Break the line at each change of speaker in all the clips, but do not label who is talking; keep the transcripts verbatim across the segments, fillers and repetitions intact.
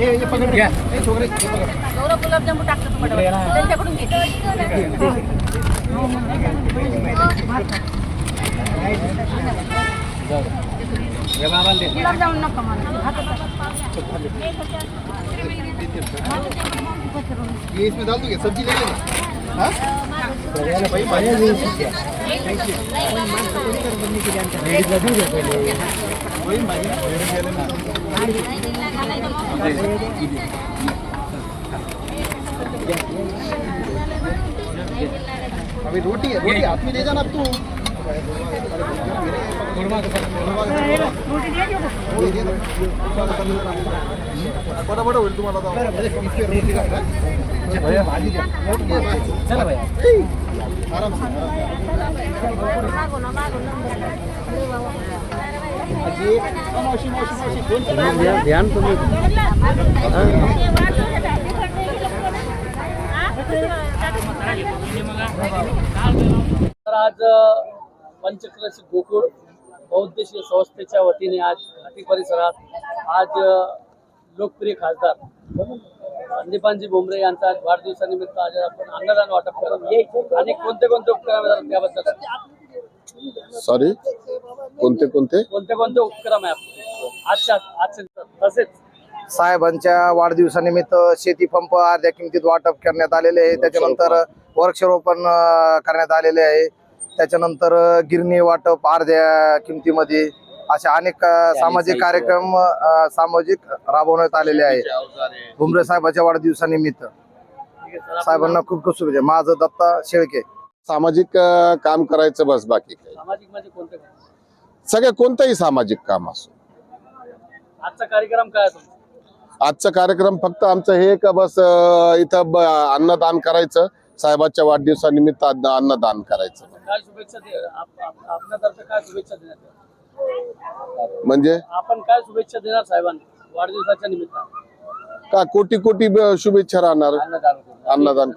गौरव गुलाबजामू टाकतो तुम्हाला त्यांच्याकडून घे गुलाबजामुन नको मला
ये इसमें डाल दोगे सब्जी ले लेना हाँ भाई भाई वही भाजी अभी रोटी है रोटी हाथ में ले जाना तू बड़ा बड़ा होईल तुम्हाला रोटी भैया भाजी द्या चला भैया आराम से
मागो ना मागो ना
मावशी मावशी मावशी दोन
ध्यान तुम्ही आज पंचक्रोशी गोकुळ बहुउद्देशीय संस्थेच्या वतीने आज घाटी परिसरात आज लोकप्रिय खासदार संदीपानजी भुमरे यांचा आज वाढदिवसानिमित्त आज आपण अन्नदान वाटप करत आणि कोणते कोणते उपक्रम आहेत त्याबद्दल
सॉरी कोणते कोणते
कोणते कोणते उपक्रम आहे आजच्या आजचे तसेच
साहेबांच्या वाढदिवसानिमित्त शेती पंप अर्ध्या किमतीत वाटप करण्यात आलेले आहे। त्याच्यानंतर वृक्षारोपण करण्यात आलेले आहे। त्याच्यानंतर गिरणी वाटप अर्ध्या किमतीमध्ये अशा अनेक सामाजिक कार्यक्रम सामाजिक राबवण्यात आलेले आहे भुमरे साहेबांच्या वाढदिवसानिमित्त। साहेबांना खूप खूप शुभेच्छा। माझं दत्ता शेळके।
सामाजिक काम करायचं बस, बाकी काही
सामाजिक म्हणजे कोणते
सगळं कोणतंही सामाजिक काम असो।
आजचा कार्यक्रम काय आहे?
आजचा कार्यक्रम फक्त आमचं हे का बस इथं अन्नदान करायचं, साहेबांच्या वाढदिवसानिमित्त अन्नदान करायचं।
काय शुभेच्छा आपल्यातर्फे काय शुभेच्छा देण्यात
म्हणजे
आपण काय शुभेच्छा देणार साहेबांना वाढदिवसाच्या निमित्तानं?
का कोटी कोटी शुभेच्छा राहणार
अन्नदान
अन्नदान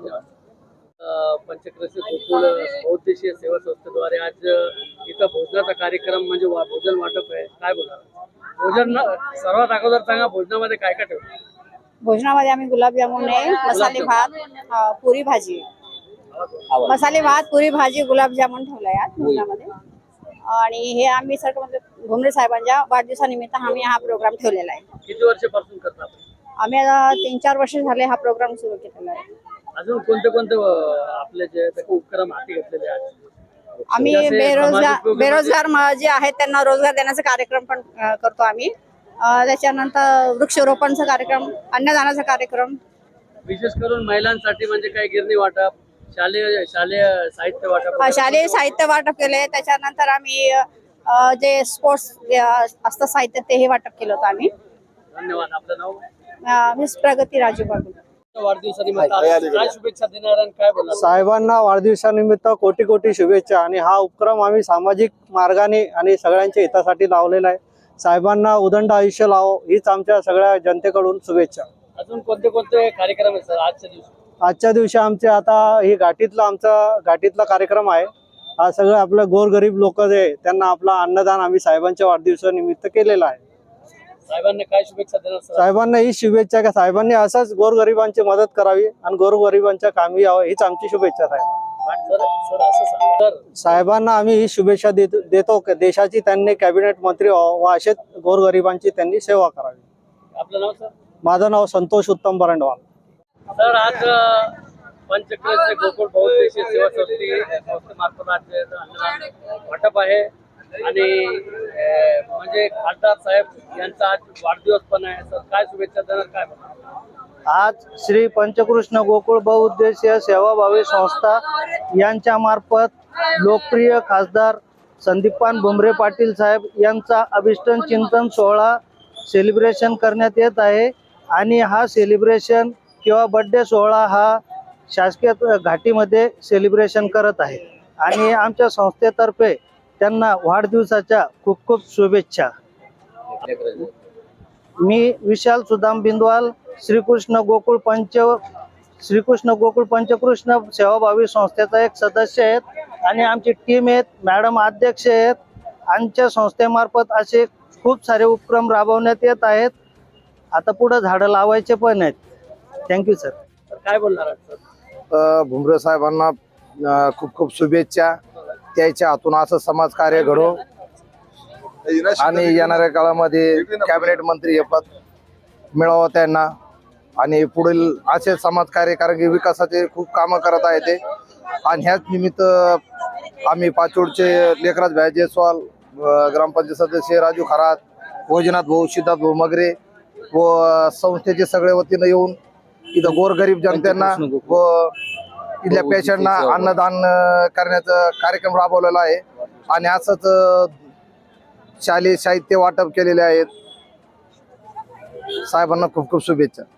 पंचक्रोशी गोकुळ बहुउद्देशीय सेवा संस्थेद्वारे आज इथं भोजनाचा कार्यक्रम म्हणजे भोजन वाटप आहे। काय बोलणार भोजन सर्वात अगोदर सांगा, भोजनामध्ये काय काय ठेवलं?
भोजनामध्ये आम्ही गुलाबजामुन आहे, मसाले भात, पुरी भाजी, मसाले भात पुरी भाजी गुलाबजामुन ठेवलाय आज भोजनामध्ये। आणि हे आम्ही सर म्हणजे भुमरे साहेबांच्या वाढदिवसानिमित्त आम्ही हा प्रोग्राम ठेवलेला आहे।
किती वर्षापासून करता आपण?
आम्ही आता तीन चार वर्ष झाले हा प्रोग्राम सुरू केलेला आहे।
अजून कोणते कोणते आपले जे उपक्रम हाती घेतलेले आहेत?
आम्ही बेरोजगार बेरोजगार जे आहेत त्यांना रोजगार देण्याचा कार्यक्रम पण करतो आम्ही। त्याच्यानंतर वृक्षारोपणचा कार्यक्रम, अन्नदानाचा कार्यक्रम,
विशेष करून महिलांसाठी म्हणजे काय गिरणी वाटप, शालेय शालेय साहित्य वाटप,
शालेय साहित्य वाटप केले। त्याच्यानंतर आम्ही जे स्पोर्ट्स असतं साहित्य तेही वाटप केलं होतं आम्ही।
धन्यवाद। आपलं नाव?
मिस प्रगती राजू बाबू।
वाढदिवसानिमित्त काय शुभेच्छा देणार आणि काय बोलणार?
साहेबांना वाढदिवसानिमित्त कोटी कोटी शुभेच्छा। आणि हा उपक्रम आम्ही सामाजिक मार्गाने आणि सगळ्यांच्या हितासाठी लावलेला आहे। साहेबांना उदंड आयुष्य लावो हीच आमच्या सगळ्या जनतेकडून शुभेच्छा।
अजून कोणते कोणते कार्यक्रम आहेत सर आजच्या दिवशी?
आजच्या दिवशी आमचे आता ही घाटीतला आमचा घाटीतला कार्यक्रम आहे। हा सगळं आपलं गोरगरीब लोक जे त्यांना आपला अन्नदान आम्ही साहेबांच्या वाढदिवसानिमित्त केलेला आहे।
साहेबांना काय शुभेच्छा देणार सर?
साहेबांना ही शुभेच्छा का साहेबांनी असंच गोरगरिबांची मदत करावी आणि गोरगरिबांच्या कामी यावं हीच आमची शुभेच्छा साहेब। साहेबांना आम्ही ही शुभेच्छा देतो की देशाची त्यांनी कॅबिनेट मंत्री व्हावं व असेच गोरगरिबांची त्यांनी सेवा करावी।
आपलं नाव सर?
माझं नाव संतोष उत्तम बरंडवाल।
सर आज पंचक्रोशी गोकुळ बहुउद्देशीय सेवा संस्थे संस्थेमार्फत आज अन्नदान वाटप आहे आणि म्हणजे खासदार साहेब यांचा आज वाढदिवस पण आहे। सर काय शुभेच्छा देणार, काय बोलणार?
आज श्री पंचकृष्ण गोकुळ बहुउद्देशीय सेवाभावी संस्था यांच्या मार्फत लोकप्रिय खासदार संदीपान भुमरे पाटील साहेब यांचा अभिष्टन चिंतन सोहळा सेलिब्रेशन करण्यात येत आहे। आणि हा सेलिब्रेशन किंवा बर्थडे सोहळा हा शासकीय घाटीमध्ये सेलिब्रेशन करत आहे आणि आमच्या संस्थेतर्फे त्यांना वाढदिवसाच्या खूप खूप शुभेच्छा। मी विशाल सुदाम बिंदवाल श्रीकृष्ण गोकुळ पंच श्रीकृष्ण गोकुळ पंचकृष्ण सेवाभावी संस्थेचा एक सदस्य आहेत आणि आमची टीम आहेत, मॅडम अध्यक्ष आहेत। आमच्या संस्थेमार्फत असे खूप सारे उपक्रम राबवण्यात येत आहेत आता पुढे झाडं लावायचे पण आहेत. Thank you sir.
तर काय बोलणार आहात सर?
अ, भुमरे साहेबांना अ, खूप खूप शुभेच्छा. त्याच्या हातून असं समाज कार्य घडो आणि येणाऱ्या काळामध्ये कॅबिनेट मंत्री हे पद मिळावं त्यांना आणि पुढील असे समाज कार्य कारण की विकासाचे खूप कामं करत आहेत ते. आणि ह्याच निमित्त आम्ही पाचोडचे लेखराज भाई जयस्वाल, अ, ग्रामपंचायत सदस्य राजू खरात, वैजनाथ भाऊ, सिद्धार्थ भाऊ मगरे व संस्थेचे सगळे वतीनं येऊन इथं गोरगरीब जनतेना व इथल्या पेशंटना अन्नदान अ, करण्याचा कार्यक्रम राबवलेला आहे. आणि असंच अ, शालेय साहित्य वाटप केलेले आहेत. साहेबांना खूप खूप शुभेच्छा.